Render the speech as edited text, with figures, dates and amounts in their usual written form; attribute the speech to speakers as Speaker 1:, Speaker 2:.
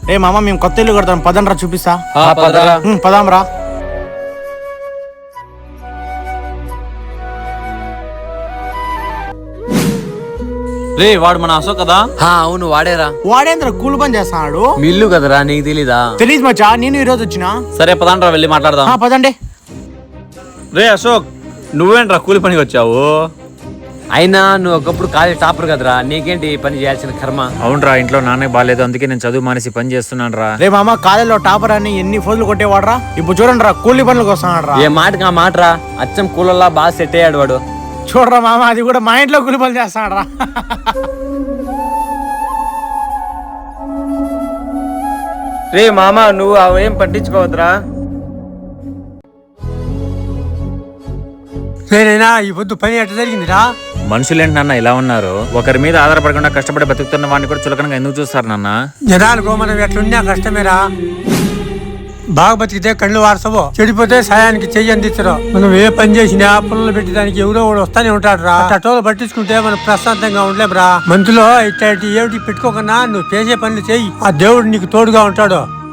Speaker 1: రే మామ మేము కొత్త ఇల్లు కడతాం, పదండ్రా చూపిస్తా.
Speaker 2: పదరా.
Speaker 1: పదాంరా.
Speaker 2: రే వాడు మన అశోక్ కదా?
Speaker 3: అవును వాడేరా.
Speaker 1: వాడేంద్ర కూలి పని చేస్తున్నాడు.
Speaker 3: మీ ఇల్లు కదరా, నీకు తెలీదా?
Speaker 1: తెలీదు మచ్చా, నేను ఈ రోజు వచ్చినా.
Speaker 2: సరే పదండ్రా వెళ్ళి మాట్లాడదాం.
Speaker 1: పదండి.
Speaker 2: రే అశోక్, నువ్వేంట్రా కూలి పనికి వచ్చావు?
Speaker 3: అయినా నువ్వు ఒకప్పుడు కాలేజ్ టాపర్ కదరా, నీకేంటి పని చేయాల్సిన కర్మ?
Speaker 4: అవునరా, ఇంట్లో నాన్నకి బాగాలేదు, అందుకే నేను చదువు మానేసి పని చేస్తున్నాను రా.
Speaker 1: రే మామ, కాలేజీలో టాపర్ అని ఎన్ని ఫోజులు కొట్టేవాడరా, ఇప్పుడు చూడండి రా కూలి పనులకు వస్తున్నాడు రా.
Speaker 3: ఏ మాటగా మాటరా, అచ్చం కూలల్లా బాగా సెట్ అయ్యాడు వాడు.
Speaker 1: చూడరా మామ, అది కూడా మా ఇంట్లో కూలి పనులు చేస్తున్నాడు రా.
Speaker 3: రే మామ, నువ్వు అవేం పట్టించుకోవద్దురా.
Speaker 5: నేనైనా ఈ పొద్దు పని ఎట్లా జరిగిందిరా?
Speaker 4: మనుషులేంటి నాన్న ఇలా ఉన్నారు? ఒకరి మీద ఆధారపడకుండా కష్టపడి బతుకుతున్న వాడిని కూడా చులకనగా ఎందుకు చూస్తారు నాన్న?
Speaker 5: జనాలకు మనం ఎట్లున్నా కష్టమేరా. బాగా బతికితే కళ్ళు వారసవో, చెడిపోతే సాయానికి చెయ్యి అందించరు. మనం ఏ పని చేసినా పుల్లలు పెట్టడానికి ఎవరో ఒకడు వస్తానే ఉంటాడు రా. అట్టోలు పట్టించుకుంటే మనం ప్రశాంతంగా ఉండలేం రా. మందులో ఇట్లాంటి ఏమిటి పెట్టుకోకన్నా నువ్వు చేసే పనులు చెయ్యి, ఆ దేవుడు నీకు తోడుగా ఉంటాడు.